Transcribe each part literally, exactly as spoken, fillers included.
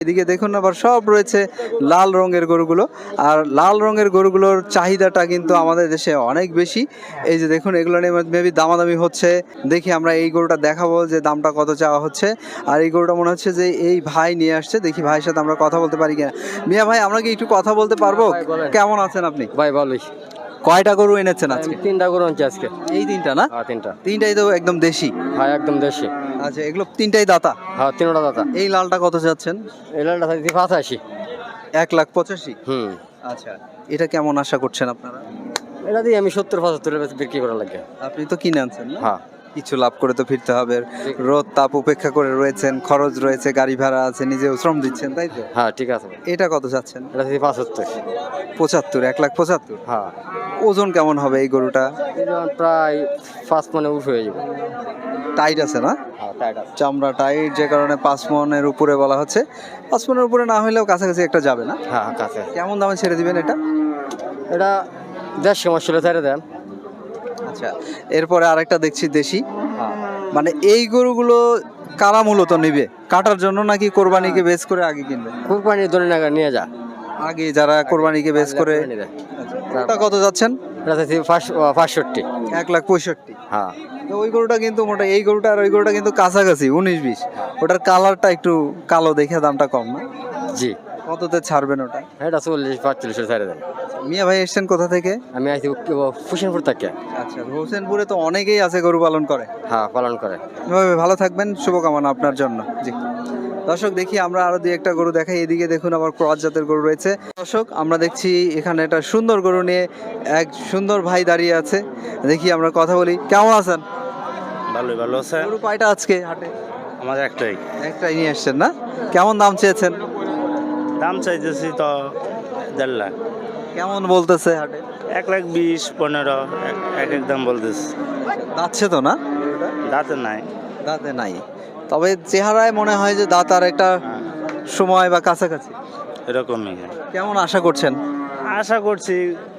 এদিকে দেখুন আবার সব রয়েছে লাল রঙের গরুগুলো। আর লাল রঙের গরুগুলোর চাহিদাটা কিন্তু আমাদের দেশে অনেক বেশি। এই যে দেখুন এগুলো নিয়ে মেবি দামাদামি হচ্ছে। দেখি আমরা এই গরুটা দেখাবো যে দামটা কত চাওয়া হচ্ছে। আর এই গরুটা মনে হচ্ছে যে এই ভাই নিয়ে আসছে, দেখি ভাইয়ের সাথে আমরা কথা বলতে পারি কিনা। মিয়া ভাই, আমরা কি একটু কথা বলতে পারবো? কেমন আছেন আপনি? ভাই ভালোই। কয়টা গরু এনেছেন আজকে? তিনটা গরু আনছি আজকে। এই তিনটা না? হ্যাঁ তিনটা। তিনটাই তো একদম দেশি? হ্যাঁ একদম দেশি। আচ্ছা, এগুলো তিনটাই দাতা? হ্যাঁ তিনটা দাদা। এই লালটা কত যাচ্ছেন? এই লালটা থাকছে পঁচাশি। এক লাখ পঁচাশি? হুম। আচ্ছা, এটা কেমন আশা করছেন আপনারা? এটা দিয়ে আমি সত্তর পঁচাত্তরের বেশি বিক্রি করা লাগে। আপনি তো কিনে আনছেন না? হ্যাঁ। কিছু লাভ করে তো ফিরতে হবে। রোদ তাপ উপেক্ষা করে রয়েছেন, খরচ রয়েছে, গাড়ি ভাড়া আছে, নিজেও শ্রম দিচ্ছেন, তাই তো? হ্যাঁ ঠিক আছে। এটা কত চাচ্ছেন? এটা থেকে পঁচাত্তর। পঁচাত্তর? এক লাখ পঁচাত্তর? হ্যাঁ। ওজন কেমন হবে এই গরুটা? এটা প্রায় পাঁচ মানে উঠ হয়ে যাবে। টাইট আছে না? হ্যাঁ টাইট আছে। চামড়া টাইট, যে কারণে পাঁচ মনের উপরে বলা হচ্ছে। পাঁচ মনের উপরে না হলেও কাছাকাছি একটা যাবে না? হ্যাঁ কাছে। কেমন দামে ছেড়ে দিবেন এটা? এটা দেড়শো মাস চলে ছেড়ে দেন। আচ্ছা, এরপরে আরেকটা দেখছি দেশি। হ্যাঁ। মানে এই গরুগুলো কারা মূলত নিবে? কাটার জন্য নাকি কোরবানিকে বেচ করে আগে কিনবে? কোরবানির দোনে নাগা নিয়ে যা। আগে যারা কোরবানিকে বেচ করে। ওটা কত যাচ্ছেন? এটা থেকে পাঁচষট্টি। এক লাখ পঁয়ষট্টি? হ্যাঁ। তো ওই গরুটা কিন্তু মোটা, এই গরুটা আর ওই গরুটা কিন্তু কাছাকাছি উনিশ বিশ। ওটার কালারটা একটু কালো দেখে দামটা কম না? জি। কততে ছাড়বেন ওটা? এটা চল্লিশ পাঁচচল্লিশে ছেড়ে দেন। মিয়া ভাই এসছেন কোথা থেকে? আমি আইছি হোসেনপুর থেকে। আচ্ছা, হোসেনপুরে তো অনেকেই আছে গরু পালন করে। হ্যাঁ পালন করে। এভাবে ভালো থাকবেন, শুভকামনা আপনার জন্য। জি দর্শক, দেখি আমরা আরো দুই একটা গরু দেখাই। এদিকে দেখুন আবার ক্রস জাতের গরু রয়েছে। দর্শক, আমরা দেখছি এখানে একটা সুন্দর গরু নিয়ে এক সুন্দর ভাই দাঁড়িয়ে আছে। দেখি আমরা কথা বলি। কেমন আছেন? ভালোই ভালো আছে। গরু কয়টা আজকে হাটে? আমাদের একটাই। একটাই নিয়ে আসছেন না? কেমন দাম চেয়েছেন? দাম চাইতেছি তো দেড় লাখ। কেমন বলতেছে হাটে? এক লাখ বিশ পনেরো এক এক দাম বলতেছি। দাঁতছে তো না? দাঁতে নাই। দাঁতে নাই, তবে চেহারায় মনে হয় যে দাঁত আর একটা সময় বা কাছাকাছি এরকমই কেমন আশা করছেন? আশা করছি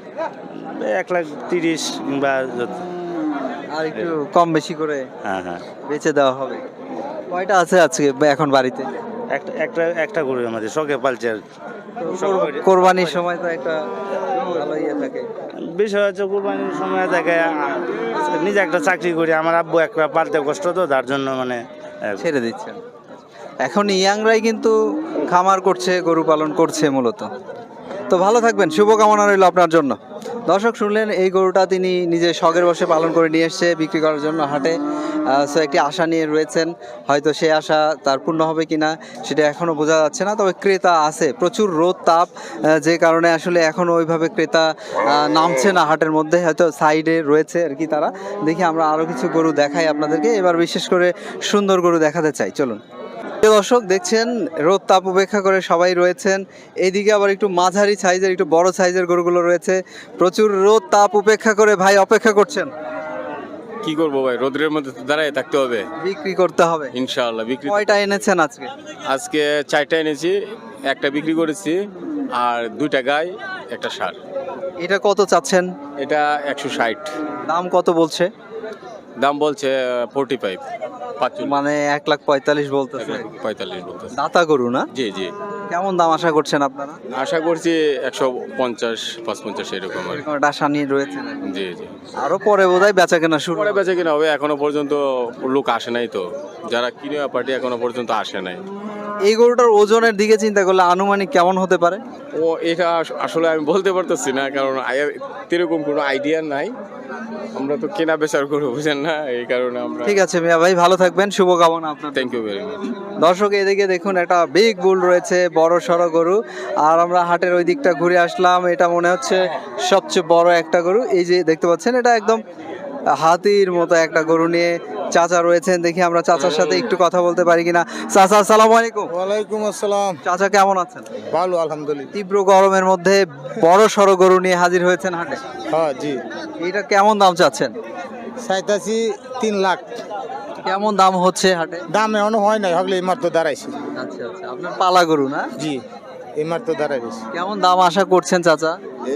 এক লাখ তিরিশ কিংবা যত। আর একটু কম বেশি করে হ্যাঁ হ্যাঁ বেচে দেওয়া হবে। কয়টা আছে আজকে এখন বাড়িতে? একটা একটা একটা গরু আমাদের শখে পালছে আর কি। কোরবানির সময় তো একটা ভালো ইয়ে থাকে। বিষয় হচ্ছে কোরবানির সময় থাকে আ- নিজে একটা চাকরি করি, আমার আব্বু একটা পালতে কষ্ট তো, তার জন্য মানে আহ, ছেড়ে দিচ্ছেন। এখন ইয়াংরাই কিন্তু খামার করছে, গরু পালন করছে মূলত। তো ভালো থাকবেন, শুভকামনা রইল আপনার জন্য। দর্শক শুনলেন, এই গরুটা তিনি নিজে শখের বসে পালন করে নিয়ে এসছে বিক্রি করার জন্য হাটে। সো একটি আশা নিয়ে রয়েছেন, হয়তো সেই আশা তার পূর্ণ হবে কিনা সেটা এখনও বোঝা যাচ্ছে না। তবে ক্রেতা আছে, প্রচুর রোদ তাপ, আহ, যে কারণে আসলে এখনও ওইভাবে ক্রেতা আহ, নামছে না হাটের মধ্যে, হয়তো সাইডে রয়েছে আর কি তারা। দেখি আমরা আরও কিছু গরু দেখাই আপনাদেরকে। এবার বিশেষ করে সুন্দর গরু দেখাতে চাই, চলুন। প্রিয় দর্শক, দেখছেন রোদ তাপ উপেক্ষা করে সবাই রয়েছেন। এইদিকে আবার একটু মাঝারি সাইজের, একটু বড় সাইজের গরুগুলো রয়েছে। প্রচুর রোদ তাপ উপেক্ষা করে ভাই অপেক্ষা করছেন। কি করবো ভাই, রোদ্রের মধ্যে তো দাঁড়ায় থাকতে হবে। বিক্রি করতে হবে ইনশাআল্লাহ বিক্রি। কয়টা এনেছেন আজকে? আজকে চারটা এনেছি, একটা বিক্রি করেছি, আর দুইটা গাই একটা ষাঁড়। এটা কত চাচ্ছেন? এটা একশো ষাট। দাম কত বলছে? দাম বলছে ফোরটি ফাইভ, মানে এক লাখ পঁয়তাল্লিশ বলতেছে। পঁয়তাল্লিশ বলতেছে। দাতা গরু না? জি জি। কেমন দাম আশা করছেন আপনারা? আশা করছি একশো পঞ্চাশ পাঁচ পঞ্চাশ এরকম আর কি। এরকম একটা আশা নিয়ে রয়েছেন। জি জি। আরো পরে বোধহয় বেচা কেনা শুরু পরে হবে। বেচে কিনা হবে, এখনো পর্যন্ত লোক আসে নাই তো, যারা কিনে পার্টি এখনো পর্যন্ত আসে নাই। এই গরুটার ওজনের দিকে চিন্তা করলে আনুমানিক কেমন হতে পারে? ও এটা আস- আসলে আমি বলতে পারতেছি না, কারণ আই- এরকম কোনো আইডিয়া নাই। আমরা তো কেনা বেচার করবো, বুঝেন না, এই কারণে আমরা। ঠিক আছে মিয়া ভাই, ভালো থাকবেন, শুভকামনা আপনার। Thank you very much. দর্শক, এদিকে দেখুন একটা বিগ বুল রয়েছে, বড় সড়ো গরু। আর আমরা হাটের ওই দিকটা ঘুরে আসলাম, এটা মনে হচ্ছে সবচেয়ে বড় একটা গরু। এই যে দেখতে পাচ্ছেন, এটা একদম হাতির মতো একটা গরু নিয়ে চাচা রয়েছেন। দেখি আমরা চাচার সাথে একটু কথা বলতে পারি কিনা। চাচা আসসালামু আলাইকুম। ওয়ালাইকুম আসসালাম। চাচা কেমন আছেন? ভালো আলহামদুলিল্লাহ। তীব্র গরমের মধ্যে বড় সড়ো গরু নিয়ে হাজির হয়েছেন হাটে। হ্যাঁ জি। এটা কেমন দাম চাচ্ছেন? চাইতাছি তিন লাখ। কেমন দাম হচ্ছে হাটে? দাম এখনো হয় নাই, হগলে এই মাত্র দাঁড়াইছি। আচ্ছা আচ্ছা, আপনার পালা গরু না? জি, এই মাত্র দাঁড়াইছি। কেমন দাম আশা করছেন চাচা?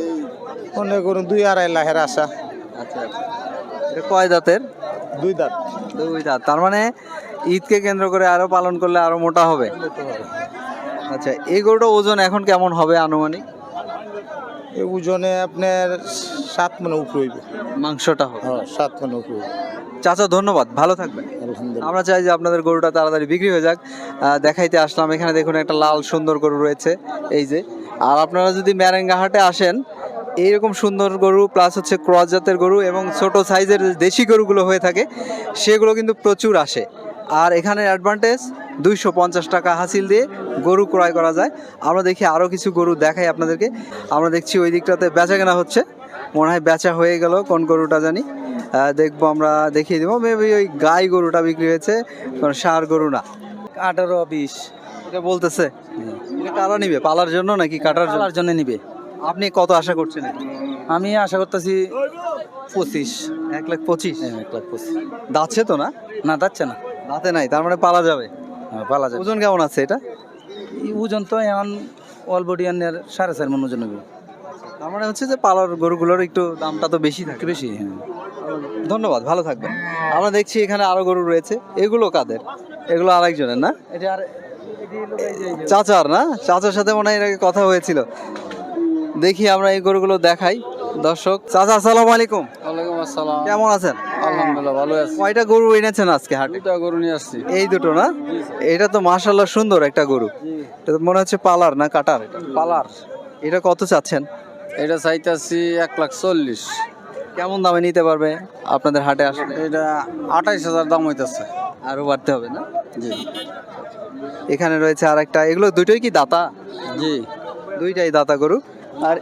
মনে করুন দুই আড়াই লাখের আশা। আচ্ছা আচ্ছা, এটা কয় দাঁতের? দুই দাঁত। দুই দাঁত, তার মানে ঈদকে কেন্দ্র করে আরো পালন করলে আরো মোটা হবে। আচ্ছা, এই গরুটা ওজন এখন কেমন হবে আনুমানিক? এই ওজনে আপনার সাত মনে উপরে হইব। মাংসটা হবে। হ্যাঁ, সাত মনে উপরে হইব। চাচা ধন্যবাদ, ভালো থাকবেন। আলহামদুলিল্লাহ। আমরা চাই যে আপনাদের গরুটা তাড়াতাড়ি বিক্রি হয়ে যাক। আহ, দেখাইতে আসলাম, এখানে দেখুন একটা লাল সুন্দর গরু রয়েছে এই যে। আর আপনারা যদি ম্যারেঙ্গা হাটে আসেন, এইরকম সুন্দর গরু প্লাস হচ্ছে ক্রস জাতের গরু এবং ছোট সাইজের যে দেশি গরুগুলো হয়ে থাকে সেগুলো কিন্তু প্রচুর আসে। আর এখানে অ্যাডভান্টেজ দুইশো পঞ্চাশ টাকা হাসিল দিয়ে গরু ক্রয় করা যায়। আমরা দেখি আরও কিছু গরু দেখাই আপনাদেরকে। আমরা দেখছি ওই দিকটাতে বেচা কেনা হচ্ছে, মনে হয় বেচা হয়ে গেল, কোন গরুটা জানি। আহ, দেখবো, আমরা দেখিয়ে দেবো। মেবি ওই গাই গরুটা বিক্রি হয়েছে, কারণ ষাঁড় গরু না। আঠারো বিশ এটা বলতেছে এটা কারা নিবে, পালার জন্য নাকি কাটার জন্য? পালার জন্য নিবে। আপনি কত আশা করছেন এটা? আমি আশা করতেছি পঁচিশ। এক লাখ পঁচিশ। হ্যাঁ, এক লাখ পঁচিশ। দাচ্ছে তো না? না যাচ্ছে না। দাঁতে নাই, তার মানে পালা যাবে। হ্যাঁ, পালা যাবে। ওজন কেমন আছে এটা? এই ওজন তো এখন অল বডি আনের সাড়ে চার মন ওজন হবে। তার মানে হচ্ছে যে পালার গরুগুলোর একটু দামটা তো বেশি থাকে। একটু বেশি। হ্যাঁ, ধন্যবাদ, ভালো থাকবেন। আমরা দেখছি এখানে আরো গরু রয়েছে, এগুলো কাদের? এগুলো আরেকজনের না? এটা আর চাচার না? চাচার সাথে মনে হয় এর আগে কথা হয়েছিল। দেখি আমরা এই গরুগুলো দেখাই দর্শক। চাচা আসসালামু আলাইকুম, ওয়ালাইকুম আসসালাম। কেমন আছেন? আলহামদুলিল্লাহ ভালো আছি। কয়টা গরু এনেছেন আজকে হাটে? দুটা গরু নিয়ে আসছি। এই দুটো না? এটা তো মাশাআল্লাহ সুন্দর একটা গরু। এটা তো মনে হচ্ছে পালার না কাটার? এটা পালার। এটা কত চাচ্ছেন? এটা চাইতেছি এক লাখ চল্লিশ। কেমন দামে নিতে পারবে আপনাদের হাটে আসলে? এটা আঠাইশ হাজার দাম হইতেছে। আরো বাড়তে হবে না? জি এখানে রয়েছে আর একটা, এগুলো দুটোই কি দাতা? জি। দুইটাই দাতা গরু। আর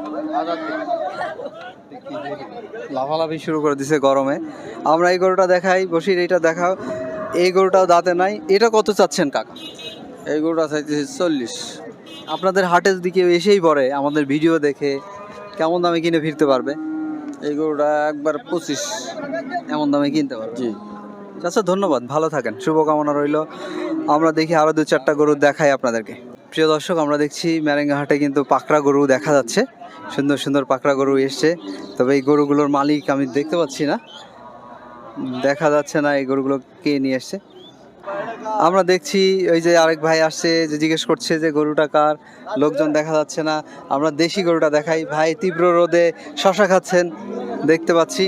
লাফালাফি শুরু করে দিছে গরমে। আমরা এই গরুটা দেখাই, বসির এইটা দেখাও। এই গরুটাও দাঁতে নাই। এটা কত চাচ্ছেন কাকা? এই গরুটা চাইতেছি চল্লিশ। আপনাদের হাটে যদি কেউ এসেই পড়ে আমাদের ভিডিও দেখে, কেমন দামে কিনে ফিরতে পারবে? এই গরুটা একবার পঁচিশ। এমন দামে কিনতে পারবে? জি। আচ্ছা, ধন্যবাদ, ভালো থাকেন, শুভকামনা রইল। আমরা দেখি আরো দু চারটা গরু দেখাই আপনাদেরকে। প্রিয় দর্শক, আমরা দেখছি ম্যারেঙ্গা হাটে কিন্তু পাকড়া গরু দেখা যাচ্ছে, সুন্দর সুন্দর পাকড়া গরু এসছে। তবে এই গরুগুলোর মালিক আমি দেখতে পাচ্ছি না, দেখা যাচ্ছে না এই গরুগুলো কে নিয়ে এসছে। আমরা দেখছি ওই যে আরেক ভাই আসছে, যে জিজ্ঞেস করছে যে গরুটা কার, লোকজন দেখা যাচ্ছে না। আমরা দেশি গরুটা দেখাই। ভাই তীব্র রোদে শশা খাচ্ছেন দেখতে পাচ্ছি।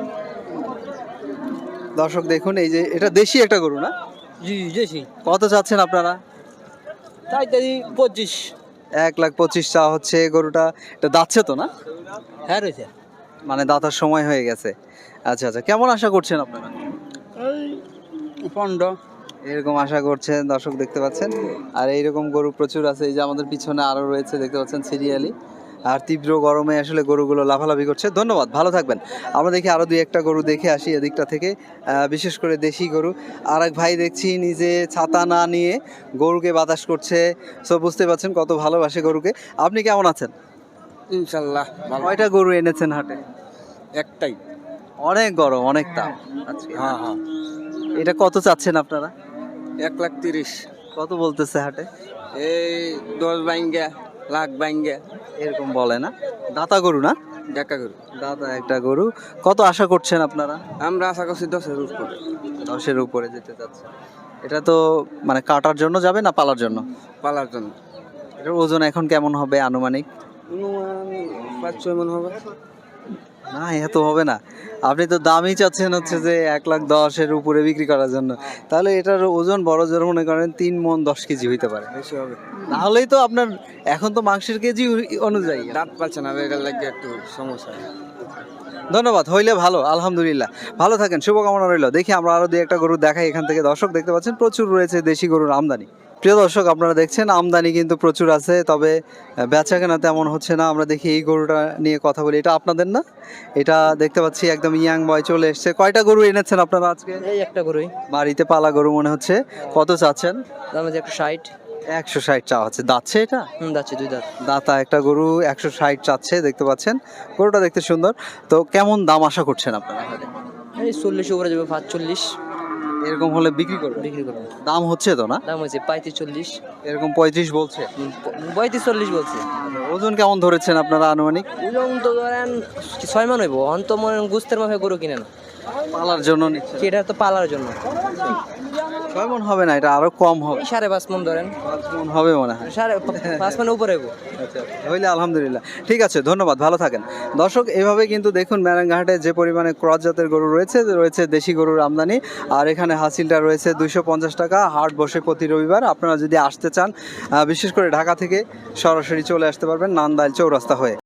দর্শক দেখুন, এই যে এটা দেশি একটা গরু না? জি দেশি। কত চাচ্ছেন আপনারা? চাইতেছি পঁচিশ। এক লাখ পঁচিশ চা হচ্ছে। গরুটা এটা দাচ্ছে তো না? হ্যাঁ রয়েছে। মানে দাতার সময় হয়ে গেছে। আচ্ছা আচ্ছা, কেমন আশা করছেন আপনারা? পনেরো। এরকম আশা করছেন, দর্শক দেখতে পাচ্ছেন। আর এইরকম গরু প্রচুর আছে, এই যে আমাদের পিছনে আরো রয়েছে দেখতে পাচ্ছেন সিরিয়ালি। আর তীব্র গরমে আসলে গরুগুলো লাফালাফি করছে। ধন্যবাদ, ভালো থাকবেন। আমরা দেখি আরো দুই একটা গরু দেখে আসি এদিকটা থেকে, আহ, বিশেষ করে দেশি গরু। আর এক ভাই দেখছি নিজে ছাতা না নিয়ে গরুকে বাতাস করছে। সো বুঝতে পারছেন কত ভালোবাসে গরুকে। আপনি কেমন আছেন? ইনশাল্লাহ ভালো। কয়টা গরু এনেছেন হাটে? একটাই। অনেক গরম, অনেক তাপ আজকে। হ্যাঁ হ্যাঁ। এটা কত চাচ্ছেন আপনারা? এক লাখ তিরিশ। কত বলতেছে হাটে? এই দশ বাইঙ্গা লাখ বাইঙ্গা এরকম বলে না? দাতা গরু না? দেখা গরু। দাদা একটা গরু। কত আশা করছেন আপনারা? আমরা আশা করছি দশের উপরে। দশের উপরে যেতে চাচ্ছে। এটা তো মানে কাটার জন্য যাবে না পালার জন্য? পালার জন্য। এটার ওজন এখন কেমন হবে আনুমানিক? অনুমান পাঁচ ছয় মন হবে। না, এত হবে না। আপনি তো দামই চাচ্ছেন হচ্ছে যে এক লাখ দশের উপরে বিক্রি করার জন্য। তাহলে এটার ওজন বড় জোর মনে করেন তিন মন দশ কেজি হইতে পারে। বেশি হবে। তাহলেই তো আপনার এখন তো মাংসের কেজি অনুযায়ী। দাঁত পাচ্ছে না, এটার লাগে একটু সমস্যা। ধন্যবাদ, হইলে ভালো, আলহামদুলিল্লাহ, ভালো থাকেন, শুভকামনা রইল। দেখি আমরা আরো দুই একটা গরু দেখাই এখান থেকে। দর্শক দেখতে পাচ্ছেন প্রচুর রয়েছে দেশি গরুর আমদানি। প্রিয় দর্শক, আপনারা দেখছেন আমদানি কিন্তু প্রচুর আছে, তবে বেচা কেনা তেমন হচ্ছে না। আমরা দেখি এই গরুটা নিয়ে কথা বলি। এটা আপনাদের না? এটা দেখতে পাচ্ছি একদম ইয়াং বয় চলে এসছে। কয়টা গরু এনেছেন আপনারা আজকে? এই একটা গরুই। বাড়িতে পালা গরু মনে হচ্ছে। কত চাচ্ছেন? দাম আছে একশো ষাট। একশো ষাট চা হচ্ছে। দাচ্ছে এটা? হুম যাচ্ছে, দুই দাঁত। দাতা একটা গরু একশো ষাট চাচ্ছে, দেখতে পাচ্ছেন। গরুটা দেখতে সুন্দর। তো কেমন দাম আশা করছেন আপনারা? এই চল্লিশ উপরে যাবে, পাঁচচল্লিশ। এরকম হলে বিক্রি করবে? বিক্রি করবো। দাম হচ্ছে তো না? দাম হয়েছে পঁয়ত্রিশ চল্লিশ। এরকম পঁয়ত্রিশ বলছে। পঁয়ত্রিশ চল্লিশ বলছে। ওজন কেমন ধরেছেন আপনারা আনুমানিক? ওজন তো ধরেন ছয় মান হইব। অন তো মনে গুস্তের মাফে গরু কিনে না, পালার জন্য নিচ্ছে। এটা তো পালার জন্য। ছয় মন হবে না, এটা আরো কম হবে, সাড়ে পাঁচ মন ধরেন, পাঁচ মন হবে মনে হয়। সাড়ে পাঁচ মনের উপরে আচ্ছা হইলে আলহামদুলিল্লাহ, ঠিক আছে, ধন্যবাদ, ভালো থাকেন। দর্শক এভাবে কিন্তু দেখুন ম্যারাঙ্গাহাটে যে পরিমাণে ক্রস জাতের গরু রয়েছে, রয়েছে দেশি গরুর আমদানি। আর এখানে হাসিলটা রয়েছে দুইশো পঞ্চাশ টাকা, হাট বসে প্রতি রবিবার। আপনারা যদি আসতে চান, আহ, বিশেষ করে ঢাকা থেকে সরাসরি চলে আসতে পারবেন নান্দাইল চৌরাস্তা হয়ে।